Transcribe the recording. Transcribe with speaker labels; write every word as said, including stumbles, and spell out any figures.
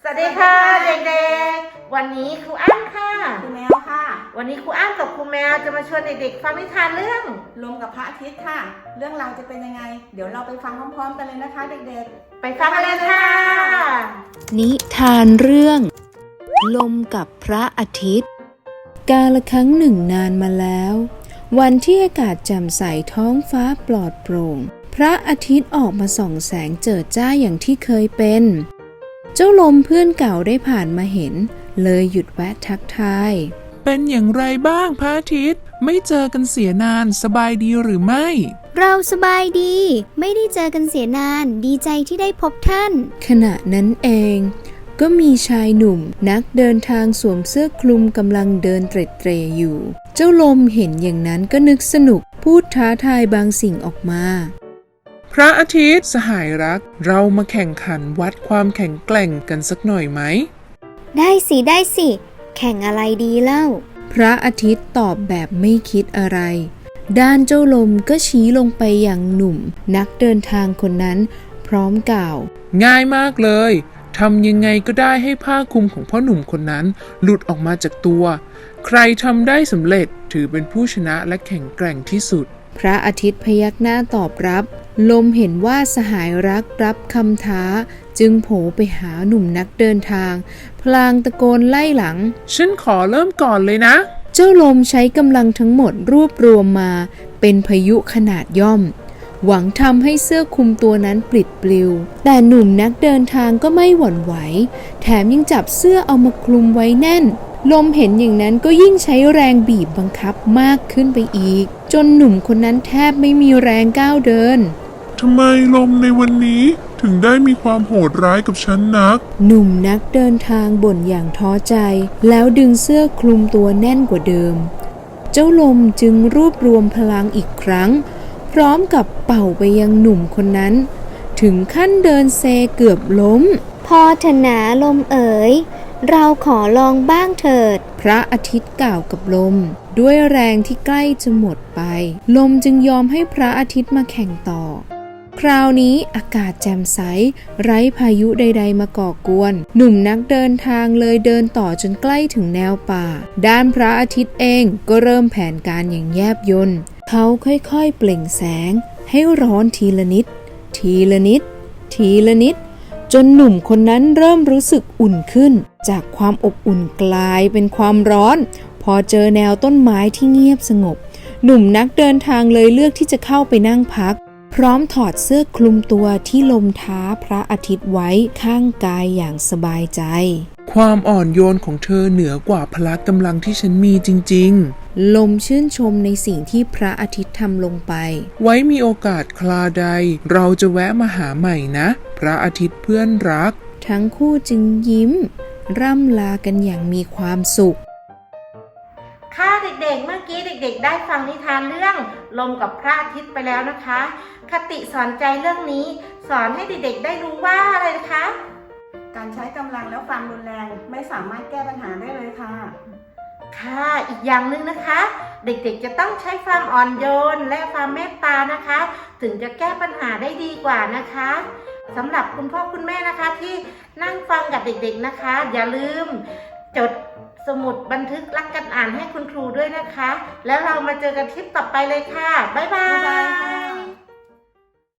Speaker 1: วัสดีค่ะเด็กๆวันนี้ครูอ้ำค่ะ
Speaker 2: ครูแมวค่ะ
Speaker 1: วันนี้ครูอ้ำกับครูแมวจะมาชวนเด็กๆฟังนิทานเรื่อง
Speaker 2: ลมกับพระอาทิตย์ค่ะเรื่องราวจะเป็นยังไงเดี๋ยวเราไปฟังพร้อมๆกันเลยนะคะเด็ก
Speaker 1: ๆไปฟังกันเลยค่ะ
Speaker 3: นิทานเรื่องลมกับพระอาทิตย์กาลครั้งหนึ่งนานมาแล้ววันที่อากาศแจ่มใสท้องฟ้าปลอดโปร่งพระอาทิตย์ออกมาส่องแสงเจิดจ้าอย่างที่เคยเป็นเจ้าลมเพื่อนเก่าได้ผ่านมาเห็นเลยหยุดแวะทักทาย
Speaker 4: เป็นอย่างไรบ้างพระอาทิตย์ไม่เจอกันเสียนานสบายดีหรือไม่
Speaker 5: เราสบายดีไม่ได้เจอกันเสียนานดีใจที่ได้พบท่าน
Speaker 3: ขณะนั้นเองก็มีชายหนุ่มนักเดินทางสวมเสื้อคลุมกำลังเดินเตร็ดเตร่อยู่เจ้าลมเห็นอย่างนั้นก็นึกสนุกพูดท้าทายบางสิ่งออกมา
Speaker 4: พระอาทิตย์สหายรักเรามาแข่งขันวัดความแข็งแกร่งกันสักหน่อยไหม
Speaker 5: ได้สิได้สิแข่งอะไรดีเล่า
Speaker 3: พระอาทิตย์ตอบแบบไม่คิดอะไรด้านเจ้าลมก็ชี้ลงไปยังหนุ่มนักเดินทางคนนั้นพร้อมกล่าว
Speaker 4: ง่ายมากเลยทำยังไงก็ได้ให้ผ้าคลุมของพ่อหนุ่มคนนั้นหลุดออกมาจากตัวใครทำได้สำเร็จถือเป็นผู้ชนะและแข็งแกร่งที่สุด
Speaker 3: พระอาทิตย์พยักหน้าตอบรับลมเห็นว่าสหายรักรับคำท้าจึงโผล่ไปหาหนุ่มนักเดินทางพลางตะโกนไล่หลัง
Speaker 4: ฉันขอเริ่มก่อนเลยนะ
Speaker 3: เจ้าลมใช้กำลังทั้งหมดรวบรวมมาเป็นพายุขนาดย่อมหวังทำให้เสื้อคลุมตัวนั้นปลิดปลิวแต่หนุ่มนักเดินทางก็ไม่หวั่นไหวแถมยังจับเสื้อเอามาคลุมไว้แน่นลมเห็นอย่างนั้นก็ยิ่งใช้แรงบีบบังคับมากขึ้นไปอีกจนหนุ่มคนนั้นแทบไม่มีแรงก้าวเดิน
Speaker 6: ทำไมลมในวันนี้ถึงได้มีความโหดร้ายกับฉันนัก
Speaker 3: หนุ่มนักเดินทางบ่นอย่างท้อใจแล้วดึงเสื้อคลุมตัวแน่นกว่าเดิมเจ้าลมจึงรวบรวมพลังอีกครั้งพร้อมกับเป่าไปยังหนุ่มคนนั้นถึงขั้นเดินเซเกือบล้ม
Speaker 5: พอเถอะนะลมเอ๋ยเราขอลองบ้างเถิด
Speaker 3: พระอาทิตย์กล่าวกับลมด้วยแรงที่ใกล้จะหมดไปลมจึงยอมให้พระอาทิตย์มาแข่งต่อคราวนี้อากาศแจ่มใสไร้พายุใดๆมาก่อกวนหนุ่มนักเดินทางเลยเดินต่อจนใกล้ถึงแนวป่าด้านพระอาทิตย์เองก็เริ่มแผนการอย่างแยบยลเขาค่อยๆเปล่งแสงให้ร้อนทีละนิดทีละนิดทีละนิดจนหนุ่มคนนั้นเริ่มรู้สึกอุ่นขึ้นจากความอบอุ่นกลายเป็นความร้อนพอเจอแนวต้นไม้ที่เงียบสงบหนุ่มนักเดินทางเลยเลือกที่จะเข้าไปนั่งพักพร้อมถอดเสื้อคลุมตัวที่ลมท้าพระอาทิตย์ไว้ข้างกายอย่างสบายใจ
Speaker 4: ความอ่อนโยนของเธอเหนือกว่าพละกำลังที่ฉันมีจริง
Speaker 3: ๆลมชื่นชมในสิ่งที่พระอาทิตย์ทำลงไป
Speaker 4: ไว้มีโอกาสคราใดเราจะแวะมาหาใหม่นะพระอาทิตย์เพื่อนรัก
Speaker 3: ทั้งคู่จึงยิ้มร่ำลากันอย่างมีความสุข
Speaker 1: ค่ะเด็กๆเมื่อกี้เด็กๆได้ฟังนิทานเรื่องลมกับพระอาทิตย์ไปแล้วนะคะคติสอนใจเรื่องนี้สอนให้เด็กๆได้รู้ว่าอะไรนะคะ
Speaker 2: การใช้กำลังแล้วความรุนแรงไม่สามารถแก้ปัญหาได้เลยค่ะ
Speaker 1: ค่ะอีกอย่างหนึ่งนะคะเด็กๆจะต้องใช้ความอ่อนโยนและความเมตตานะคะถึงจะแก้ปัญหาได้ดีกว่านะคะสำหรับคุณพ่อคุณแม่นะคะที่นั่งฟังกับเด็กๆนะคะอย่าลืมจดสมุดบันทึกรักกันอ่านให้คุณครูด้วยนะคะแล้วเรามาเจอกันคลิปต่อไปเลยค่ะบ๊ายบาย